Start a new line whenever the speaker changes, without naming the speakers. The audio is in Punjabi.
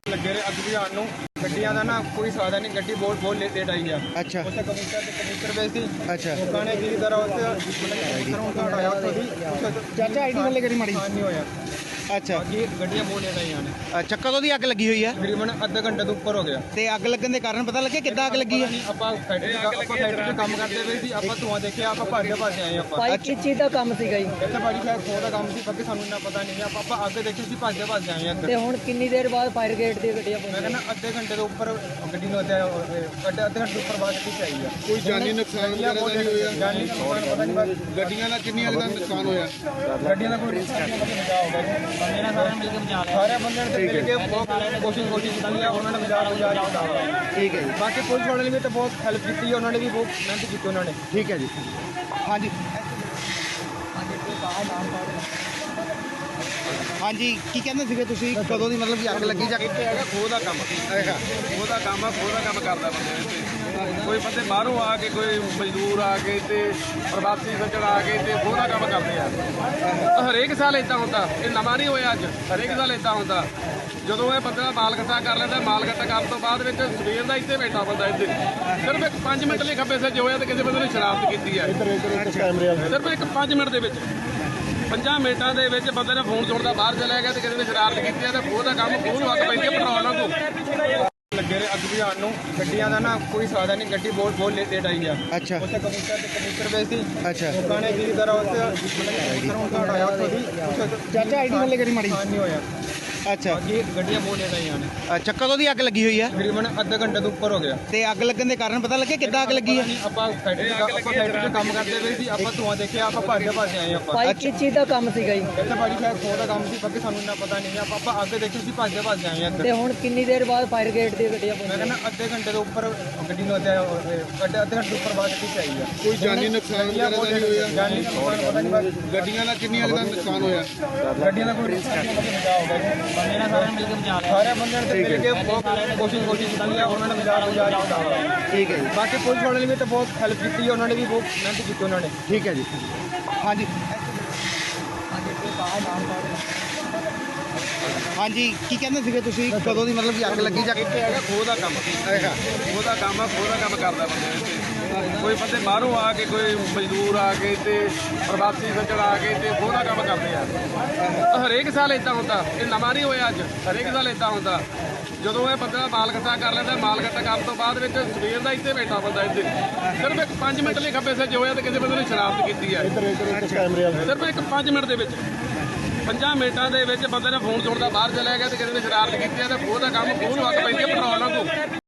ਲੱਗੇ ਰਹੇ ਅੱਗ ਬੁਝਾਉਣ ਨੂੰ। ਗੱਡੀਆਂ ਦਾ ਨਾ ਕੋਈ ਸਾਧਨ ਨਹੀਂ, ਗੱਡੀ ਬਹੁਤ ਲੇਟ ਆਈ ਆ।
ਅੱਛਾ
ਉੱਥੇ ਕਬੂਤਰ ਵੇਚ ਸੀ।
ਅੱਛਾ
ਲੋਕਾਂ ਨੇ ਕੀ ਤਰ੍ਹਾਂ ਉੱਥੇ ਮਤਲਬ ਹਟਾਇਆ ਉੱਥੋਂ ਦੀ।
ਚਾਚਾ ਆਈਡੀ ਥੱਲੇ ਕਰੀ ਮਾੜੀ।
ਨਹੀਂ ਹੋਇਆ।
ਅੱਛਾ
ਬਾਕੀ ਗੱਡੀਆਂ ਬਹੁਤ ਲੇਟ ਆਈਆਂ ਨੇ।
ਅੱਛਾ ਕਦੋਂ ਦੀ ਅੱਗ ਲੱਗੀ ਹੋਈ ਆ?
ਤਕਰੀਬਨ ਅੱਧੇ ਘੰਟੇ ਤੋਂ ਉੱਪਰ ਹੋ ਗਿਆ।
ਤੇ ਅੱਗ ਲੱਗਣ ਦੇ ਕਾਰਨ ਪਤਾ ਲੱਗਿਆ ਕਿੱਦਾਂ ਅੱਗ ਲੱਗੀ ਆ?
ਆਪਾਂ ਫੈਕਟਰੀ 'ਚ ਕੰਮ ਕਰਦੇ ਪਏ ਸੀ। ਆਪਾਂ ਧੂਆਂ ਦੇਖਿਆ, ਆਪਾਂ ਭੱਜ ਆਏ ਆਪਾਂ।
ਭਾਈ ਕਿਸ ਚੀਜ਼ ਦਾ ਕੰਮ ਸੀਗਾ ਜੀ?
ਇੱਥੇ ਭਾਜੀ ਸ਼ਾਇਦ ਖੋਹ ਦਾ ਕੰਮ ਸੀ, ਬਾਕੀ ਸਾਨੂੰ ਇੰਨਾ ਪਤਾ ਨਹੀਂ। ਆਪਾਂ ਅੱਗੇ ਦੇਖੀ ਸੀ, ਭੱਜ ਆਏ ਇੱਧਰ।
ਤੇ ਹੁਣ ਕਿੰਨੀ ਦੇਰ ਬਾਅਦ ਫਾਇਰ ਗੇਟ ਦੀ ਗੱਡੀਆਂ
ਮੈਂ
ਪਹੁੰਚੀਆਂ?
ਕਹਿੰਦਾ ਅੱਧੇ ਘੰਟੇ ਤੋਂ ਉੱਪਰ ਗੱਡੀ ਨੂੰ ਅੱਧੇ ਘੰਟੇ ਤੋਂ ਉੱਪਰ ਬਾਅਦ ਕਿੱਥੇ ਆਈ ਆ।
ਕੋਈ ਜਾਨੀ ਨੁਕਸਾਨ ਵਗੈਰਾ ਤਾਂ ਨਹੀਂ ਹੋਇਆ?
ਜਾਨੀ ਨੁਕਸਾਨ ਪਤਾ ਨਹੀਂ, ਬਸ
ਗੱਡੀਆਂ ਦਾ ਕਿੰਨੀਆਂ ਦਾ ਨੁਕਸਾਨ ਹੋਇਆ?
ਗੱਡੀਆਂ ਦਾ ਕੋਈ ਬਚਾਅ ਹੋ ਗਿਆ। ਬੰਦੇ ਨਾਲ ਸਾਰਿਆਂ ਮਿਲ ਕੇ ਬਚਾ ਲਿਆ। ਸਾਰੇ ਬੰਦਿਆਂ ਨੇ ਮਿਲ ਕੇ ਬਹੁਤ ਕੋਸ਼ਿਸ਼ ਕੀਤੀ ਆ, ਉਹਨਾਂ ਨੇ ਬਚਾ ਦਿੱਤਾ।
ਠੀਕ ਹੈ ਜੀ,
ਬਾਕੀ ਪੁਲਿਸ ਵਾਲਿਆਂ ਨੇ ਵੀ ਤਾਂ ਬਹੁਤ ਹੈਲਪ ਕੀਤੀ, ਉਹਨਾਂ ਨੇ ਵੀ ਬਹੁਤ ਮਿਹਨਤ ਕੀਤੀ ਉਹਨਾਂ ਨੇ।
ਠੀਕ ਹੈ ਜੀ। ਹਾਂਜੀ ਹਾਂਜੀ ਕੀ ਕਹਿੰਦੇ ਸੀਗੇ ਤੁਸੀਂ? ਕਦੋਂ ਦੀ ਮਤਲਬ ਕਿ ਅੱਗ ਲੱਗੀ ਜਾਂ
ਇੱਥੇ ਹੈਗਾ ਖੋਹ ਦਾ ਕੰਮ। ਖੋਹ ਦਾ ਕੰਮ ਆ, ਖੋਹ ਦਾ ਕੰਮ ਕਰਦਾ ਬੰਦੇ ਇੱਥੇ। ਕੋਈ ਬੰਦੇ ਬਾਹਰੋਂ ਆ ਕੇ, ਕੋਈ ਮਜ਼ਦੂਰ ਆ ਕੇ ਤੇ ਪ੍ਰਵਾਸੀ ਸੱਜਣ ਆ ਕੇ ਤੇ ਖੋਹ ਦਾ ਕੰਮ ਕਰਦੇ ਆ। ਹਰੇਕ ਸਾਲ ਇਦਾਂ ਹੁੰਦਾ, ਇਹ ਨਵਾਂ ਨਹੀਂ ਹੋਇਆ ਅੱਜ। ਹਰੇਕ ਸਾਲ ਇਦਾਂ ਹੁੰਦਾ। ਜਦੋਂ ਇਹ ਬੰਦਾ ਮਾਲ ਇਕੱਠਾ ਕਰ ਲੈਂਦਾ, ਮਾਲ ਇਕੱਠਾ ਕਰਨ ਤੋਂ ਬਾਅਦ ਵਿੱਚ ਸਵੇਰ ਦਾ ਇੱਥੇ ਬੈਠਾ ਬੰਦਾ ਇੱਥੇ ਸਿਰਫ ਇੱਕ 5 ਮਿੰਟ ਲਈ ਖੱਬੇ ਸੱਜੇ ਹੋਇਆ ਤੇ ਕਿਸੇ ਬੰਦੇ ਨੇ ਸ਼ਰਾਰਤ ਕੀਤੀ ਹੈ। ਸਿਰਫ ਇੱਕ 5 ਮਿੰਟ ਦੇ ਵਿੱਚ, 5 ਮਿੰਟਾਂ ਦੇ ਵਿੱਚ ਬੰਦੇ ਨੇ ਫੋਨ ਛੋੜਦਾ ਬਾਹਰ ਚਲਿਆ ਗਿਆ ਤੇ ਕਿਸੇ ਨੇ ਸ਼ਰਾਰਤ ਕੀਤੀ ਹੈ ਤੇ ਖੋਹ ਦਾ ਕੰਮ ਖੋਹ ਨੂੰ ਅੱਗ ਪੈਂਦੀ ਹੈ ਪੈਟਰੋਲ ਵਾਂਗੂ।
ਲੱਗੇ ਰਹੇ ਅੱਗ ਬੁਝਾਉਣ ਨੂੰ। ਗੱਡੀਆਂ ਦਾ ਨਾ ਕੋਈ ਸਾਧਨ ਨਹੀਂ, ਗੱਡੀ ਬਹੁਤ ਲੇਟ ਆਈ ਆ।
ਅੱਛਾ
ਉੱਥੇ ਕਬੂਤਰ ਵੇਚ ਸੀ।
ਅੱਛਾ
ਲੋਕਾਂ ਨੇ ਕੀ ਤਰ੍ਹਾਂ ਉੱਥੇ ਮਤਲਬ ਹਟਾਇਆ ਉੱਥੋਂ ਦੀ।
ਚਾਚਾ ਆਈਡੀ ਥੱਲੇ ਕਰੀ ਮਾੜੀ।
ਨਹੀਂ ਹੋਇਆ।
ਅੱਛਾ
ਬਾਕੀ ਗੱਡੀਆਂ ਬਹੁਤ ਲੇਟ ਆਈਆਂ ਨੇ।
ਅੱਛਾ ਕਦੋਂ ਦੀ ਅੱਗ ਲੱਗੀ ਹੋਈ ਆ?
ਤਕਰੀਬਨ ਅੱਧੇ ਘੰਟੇ ਤੋਂ ਉੱਪਰ ਹੋ ਗਿਆ।
ਤੇ ਅੱਗ ਲੱਗਣ ਦੇ ਕਾਰਨ ਪਤਾ ਲੱਗਿਆ ਕਿੱਦਾਂ ਅੱਗ ਲੱਗੀ ਆ?
ਆਪਾਂ ਫੈਕਟਰੀ 'ਚ ਕੰਮ ਕਰਦੇ ਪਏ ਸੀ। ਆਪਾਂ ਧੂਆਂ ਦੇਖਿਆ, ਆਪਾਂ ਭੱਜ ਆਏ ਆਪਾਂ।
ਭਾਈ ਕਿਸ ਚੀਜ਼ ਦਾ ਕੰਮ ਸੀਗਾ ਜੀ?
ਇੱਥੇ ਭਾਜੀ ਸ਼ਾਇਦ ਖੋਹ ਦਾ ਕੰਮ ਸੀ, ਬਾਕੀ ਸਾਨੂੰ ਇੰਨਾ ਪਤਾ ਨਹੀਂ। ਆਪਾਂ ਅੱਗੇ ਦੇਖੀ ਸੀ, ਭੱਜ ਆਏ ਇੱਧਰ।
ਤੇ ਹੁਣ ਕਿੰਨੀ ਦੇਰ ਬਾਅਦ ਫਾਇਰ ਗੇਟ ਦੀ ਗੱਡੀਆਂ
ਮੈਂ
ਪਹੁੰਚੀਆਂ?
ਕਹਿੰਦਾ ਅੱਧੇ ਘੰਟੇ ਤੋਂ ਉੱਪਰ ਗੱਡੀ ਨੂੰ ਅੱਧੇ ਘੰਟੇ ਤੋਂ ਉੱਪਰ ਬਾਅਦ ਕਿੱਥੇ ਆਈ ਆ।
ਕੋਈ ਜਾਨੀ ਨੁਕਸਾਨ ਵਗੈਰਾ ਤਾਂ ਨਹੀਂ ਹੋਇਆ?
ਜਾਨੀ ਨੁਕਸਾਨ ਪਤਾ ਨਹੀਂ, ਬਸ
ਗੱਡੀਆਂ ਦਾ ਕਿੰਨੀਆਂ ਦਾ ਨੁਕਸਾਨ ਹੋਇਆ?
ਗੱਡੀਆਂ ਦਾ ਕੋਈ ਬਚਾਅ ਹੋ ਗਿਆ। ਬੰਦੇ ਨਾਲ ਸਾਰਿਆਂ ਮਿਲ ਕੇ ਬਚਾ ਲਿਆ। ਸਾਰੇ ਬੰਦਿਆਂ ਨੇ ਮਿਲ ਕੇ ਬਹੁਤ ਕੋਸ਼ਿਸ਼ ਕੀਤੀ ਆ, ਉਹਨਾਂ ਨੇ ਬਚਾ ਦਿੱਤਾ।
ਠੀਕ ਹੈ ਜੀ,
ਬਾਕੀ ਪੁਲਿਸ ਵਾਲਿਆਂ ਨੇ ਵੀ ਤਾਂ ਬਹੁਤ ਹੈਲਪ ਕੀਤੀ, ਉਹਨਾਂ ਨੇ ਵੀ ਬਹੁਤ ਮਿਹਨਤ ਕੀਤੀ ਉਹਨਾਂ ਨੇ।
ਠੀਕ ਹੈ ਜੀ। ਹਾਂਜੀ ਹਾਂਜੀ ਕੀ ਕਹਿੰਦੇ ਸੀਗੇ ਤੁਸੀਂ? ਕਦੋਂ ਦੀ ਮਤਲਬ ਕਿ ਅੱਗ ਲੱਗੀ ਜਾਂ
ਇੱਥੇ ਹੈਗਾ ਖੋਹ ਦਾ ਕੰਮ। ਖੋਹ ਦਾ ਕੰਮ ਆ, ਖੋਹ ਦਾ ਕੰਮ ਕਰਦਾ ਬੰਦੇ ਇੱਥੇ। ਕੋਈ ਬੰਦੇ ਬਾਹਰੋਂ ਆ ਕੇ, ਕੋਈ ਮਜ਼ਦੂਰ ਆ ਕੇ ਤੇ ਪ੍ਰਵਾਸੀ ਸੱਜਣ ਆ ਕੇ ਤੇ ਖੋਹ ਦਾ ਕੰਮ ਕਰਦੇ ਆ। ਹਰੇਕ ਸਾਲ ਇਦਾਂ ਹੁੰਦਾ, ਇਹ ਨਵਾਂ ਨਹੀਂ ਹੋਇਆ ਅੱਜ। ਹਰੇਕ ਸਾਲ ਇਦਾਂ ਹੁੰਦਾ। ਜਦੋਂ ਇਹ ਬੰਦਾ ਮਾਲ ਇਕੱਠਾ ਕਰ ਲੈਂਦਾ, ਮਾਲ ਇਕੱਠਾ ਕਰਨ ਤੋਂ ਬਾਅਦ ਵਿੱਚ ਸਵੇਰ ਦਾ ਇੱਥੇ ਬੈਠਾ ਬੰਦਾ ਇੱਥੇ ਸਿਰਫ ਇੱਕ 5 ਮਿੰਟ ਲਈ ਖੱਬੇ ਸੱਜੇ ਹੋਇਆ ਤੇ ਕਿਸੇ ਬੰਦੇ ਨੇ ਸ਼ਰਾਰਤ ਕੀਤੀ ਹੈ। ਸਿਰਫ ਇੱਕ 5 ਮਿੰਟ ਦੇ ਵਿੱਚ, 5 ਮਿੰਟਾਂ ਦੇ ਵਿੱਚ ਬੰਦੇ ਨੇ ਫੋਨ ਛੋੜਦਾ ਬਾਹਰ ਚਲਿਆ ਗਿਆ ਤੇ ਕਿਸੇ ਨੇ ਸ਼ਰਾਰਤ ਕੀਤੀ ਹੈ ਤੇ ਖੋਹ ਦਾ ਕੰਮ ਖੋਹ ਨੂੰ ਅੱਗ ਪੈਂਦੀ ਹੈ ਪੈਟਰੋਲ ਵਾਂਗੂ।